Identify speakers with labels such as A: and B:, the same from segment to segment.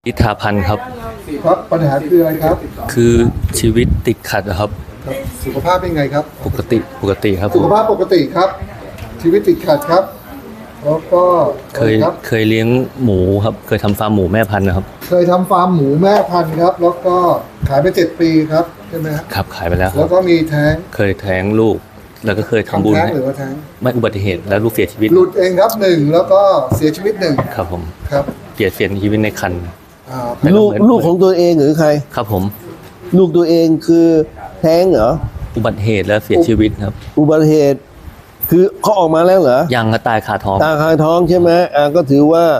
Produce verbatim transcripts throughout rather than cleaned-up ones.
A: นิธาพันธ์ครับ
B: ครับปัญหาคืออะไรครับ
A: คือชีวิตติดขัดครับ
B: ครับสุขภาพเป็นไงครับ
A: ปกติปกติครับ
B: สุขภาพปกติครับชีวิตติดขัดครับแล้วก็
A: เคยเคยเลี้ยงหมูครับเคยทำฟาร์มหมูแม่พันธุ์นะครับ
B: เคยทำฟาร์มหมูแม่พันธุ์ครับแล้วก็ขายไปเจ็ดปีครับใช่ไหมครับ
A: ครับขายไปแล้ว
B: แล้วก็มีแท้ง
A: เคยแท้งลูกแล้วก็เคยทำบุญ
B: แท้งหรือว่าแท้ง
A: ไม่อุบัติเหตุแล้วลูกเสียชีวิต
B: หลุดเองครับหนึ่งแล้วก็เสียชีวิตหนึ่ง
A: ครับผม
B: ครับ
A: เสียเสียชีวิตในคัน
C: ลูกลูกของตัวเองหรือใคร
A: ครับผม
C: ลูกตัวเองคือแท้งเหรอ
A: อุบัติเหตุแล้วเสียชีวิตครับ
C: อุบัติเหตุคือเขาออกมาแล้วเหรอ
A: ยังก็ตายคาท้อง
C: ตายคาท้องใช่ไหมอ่าก็ถือว่า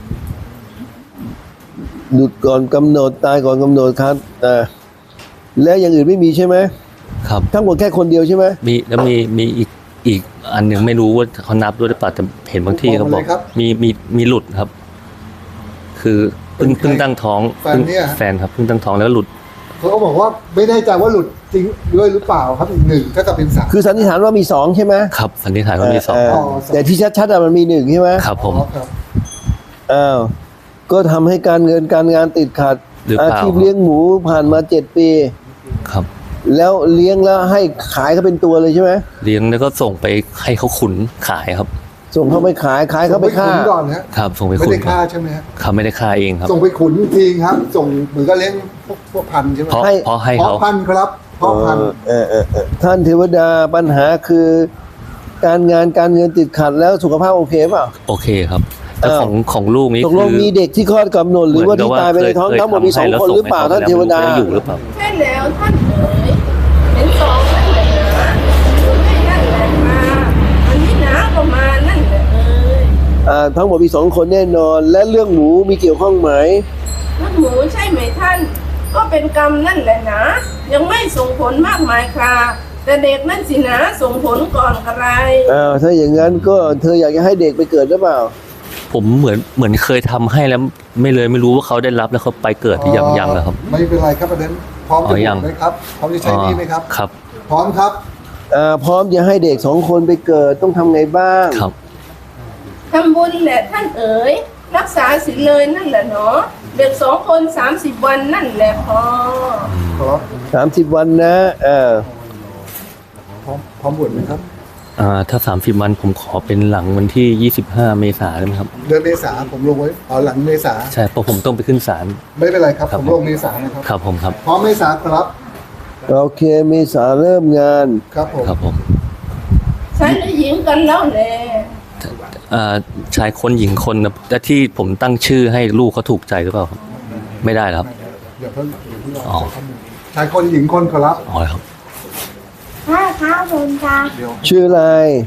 C: หลุดก่อนกำหนดตายก่อนกำหนดครับอ่าแล้วอย่างอื่นไม่มีใช่ไหม
A: ครับ
C: ทั้งหมดแค่คนเดียวใช่ไหม
A: มีแล้วมีมีอีกอีกอันหนึ่งไม่รู้ว่าเขานับด้วยหรือเปล่าแต่เห็นบางที่เขาบอกมีมีมีหลุดครับคือเพิ่งเพิ่งตั้งท้อง
B: แฟนเนี่ย
A: แฟนครับเพิ่งตั้งท้องแล้วหลุด
B: เขาก็บอกว่าไม่แน่ใจว่าหลุดจริงด้วยหรือเปล่าครับอีกหนึ่งถ้ากับเป็นสาม
C: คือสันนิษฐานว่ามีสองใช่ไหม
A: ครับสันนิษฐานว่ามีสอง
C: แต่ที่ชัดๆมันมีหนึ่งใช่ไหม
A: ครับผม
C: อ้าวก็ทำให้การเงินการงานติดขัดอาชีพเลี้ยงหมูผ่านมาเจ็ดปี
A: ครับ
C: แล้วเลี้ยงแล้วให้ขายเขาเป็นตัวเลยใช่ไหม
A: เลี้ยงแล้วก็ส่งไปให้เขาขุนขายครับ
C: ส่งเขาไปขายขายเขาไปฆ่า
B: ก่อนนะครับ
A: ส่งไปขุน
B: ไม่ได้ฆ่าใช่ไหมครับ
A: เขาไม่ได้ฆ่าเองครับ
B: ส่งไปขุนจริงครับส่งเหมือนกับเลี้ยงพวกพวกพันใช่ไหม
A: เพราะเพราะให้เขา
B: พันครับเพราะพัน
C: เออเออท่านเทวดาปัญหาคือการงานการเงินติดขัดแล้วสุขภาพโอเคเปล่า
A: โอเคครับแต่ของของลูกนี้
C: ตกลงมีเด็กที่คลอดกำหนดหรือว่าที่ตายไปในท้องทั้งหมดมีสองคนหรือเปล่าท่านเทวดา
A: อยู่หรือเปล่า
D: ใช่แล้วท่านเอ๋ยเป็นสองนั่นแหละนะไม่นั่นแหละมาอันนี้นะก็มานั่นแหละเอ๋ย
C: อ่าทั้งหมดมีสองคนแน่นอนและเรื่องหมูมีเกี่ยวข้องไหม
D: เรื่องหมูใช่ไหมท่านก็เป็นกรรมนั่นแหละนะยังไม่ส่งผลมากมายค่ะแต่เด็กนั่นสินะส่งผลก่อนอะไร
C: อ้าวถ้าอย่างนั้นก็เธออยากจะให้เด็กไปเกิดหรือเปล่า
A: ผมเหมือนเหมือนเคยทำให้แล้วไม่เลยไม่รู้ว่าเขาได้รับแล้วเขาไปเกิดหรือยังยังเหรอครับ
B: ไม่เป็นไรครับประเด็นพร้อมจะพูดไหมครับพร้อมจะใช้นี่ไหมครับ
A: ครับ
B: พร้อมครับ
C: อ่าพร้อมจะให้เด็กสองคนไปเกิดต้องทำไงบ้าง
A: ครับ
D: ทำบุญแหละท่านเอ๋ยรักษาศีลเลยนั่นแหละเนาะเด็กสองคนสามสิบวันนั่นแหละพอ
B: ครับ
C: สามสิบวันนะเออ
B: พร้อมพร้อมบวชไหมครับ
A: อ่าถ้าสามสิบวันผมขอเป็นหลังวันที่ยี่สิบห้าเมษายนได้ไหมครับ
B: เดือนเมษาผมลงไว้อ๋อหลังเมษา
A: ใช่เพราะผมต้องไปขึ้นศาล
B: ไม่เป็นไรครับผมลงเมษานะครับ
A: ครับผมครับ
B: พร้อมเมษาครับ
C: โอเคเมษาเริ่มงาน
B: ครับผม
A: ครับผม
D: ชายหรือหญิงกันแล้วแหละ
A: อ่าชายคนหญิงคนนะแต่ที่ผมตั้งชื่อให้ลูกเขาถูกใจหรือเปล่าครับไม่ได้ครับ
B: เดี๋ยวเพิ่งเดี๋ยวเพิ่งรอชายคนหญิงคนครับ
A: อ๋อครับ
D: ใช่ครับผมจ้า
C: ชื่ออะไร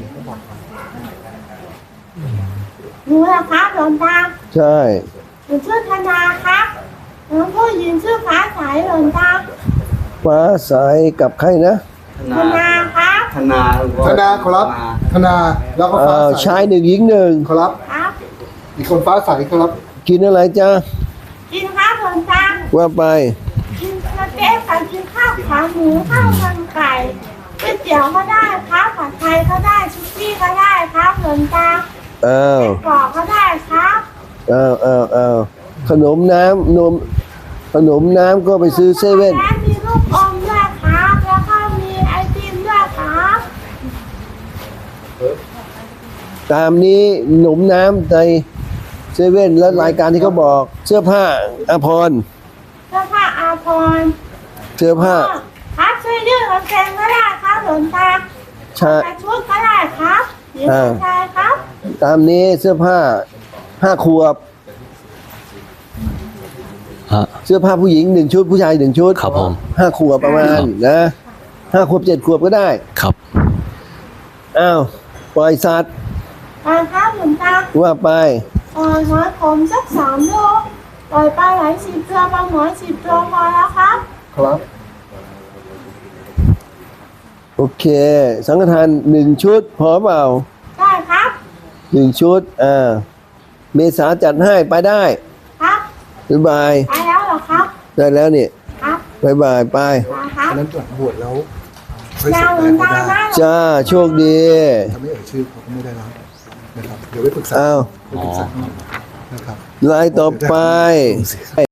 D: หนูละครับหลวงตา
C: ใช่
D: หนูชื่อธนาครับหนูผู้หญิงชื่อฟ้าใสหลวงตา
C: ฟ้าใสกับใครนะ
D: ธนาครับ
B: ธนาธนาครับธนาแล้วก็ฟ้าใส
C: ชายหนึ่งหญิงหนึ่ง
B: ครับ
D: ครับ
B: อีกคนฟ้าใสครับ
C: กินอะไรจ้า
D: กินข้าวหลวงตา
C: ว่าไป
D: กินสเต็กกับกินข้าวขาหมูข้าวมันไก่ก๋วยเตี๋ยวก็ได้ครับผัดไทยก็ได้ซุกี้ก็ได้ครับหลวงตา
C: เออ
D: กรอกก็ได้ครับ
C: เออเออเออขนมน้ำนมขนมน้ำก็ไปซื้อเซเว่น
D: มีลูกอมด้วยครับแล้วก็มีไอติมด้วยครับ
C: ตามนี้ขนมน้ำในเซเว่นและรายการที่เขาบอกเสื้อผ้าอาภรณ์
D: เสื้อผ้าอาภรณ์
C: เสื้อผ้า
D: ครับช่วยยืดกางเกงก็ได้ครับหลวงตาใส่ชุดก็ได้ครับหญิงชายครับ
C: ตามนี้เสื้อผ้าห้าขวบเสื้อผ้าผู้หญิงหนึ่งชุดผู้ชายหนึ่งชุด
A: ครับผม
C: ห้าขวบประมาณนะห้าขวบเจ็ดขวบก็ได้
A: ครับ
C: อ้าวปล่อยสัตว์
D: ปล่อยครับหลวงตา
C: ว่าไป
D: ปล่อยหอยขมสักสามโลปล่อยปลาไหลสิบตัวปลาหมอสิบตัวพอแล้วครับ
B: ครับ
C: โอเคสังฆทานหนึ่งชุดพอเปล่า
D: ได้ครับ
C: หนึ่งชุดอ่าเมษาจัดให้ไปได้
D: ครับ
C: บ๊ายบาย
D: ไปแล้วเหรอครับ
C: ได้แล้วนี่
D: ครับ
C: บ๊ายบายไป
B: อันนั้นตรวจบวชแล้ว
D: ยาวเหมือนกันนะ
C: จ้าโชคดี
B: ถ้าไม่เอ่ยชื่อเขาก็ไม่ได้แล้วนะครับเดี๋ยวไปปรึกษา
C: อ้าว
B: ไปปรึกษานะครับ
C: ลายต่อไป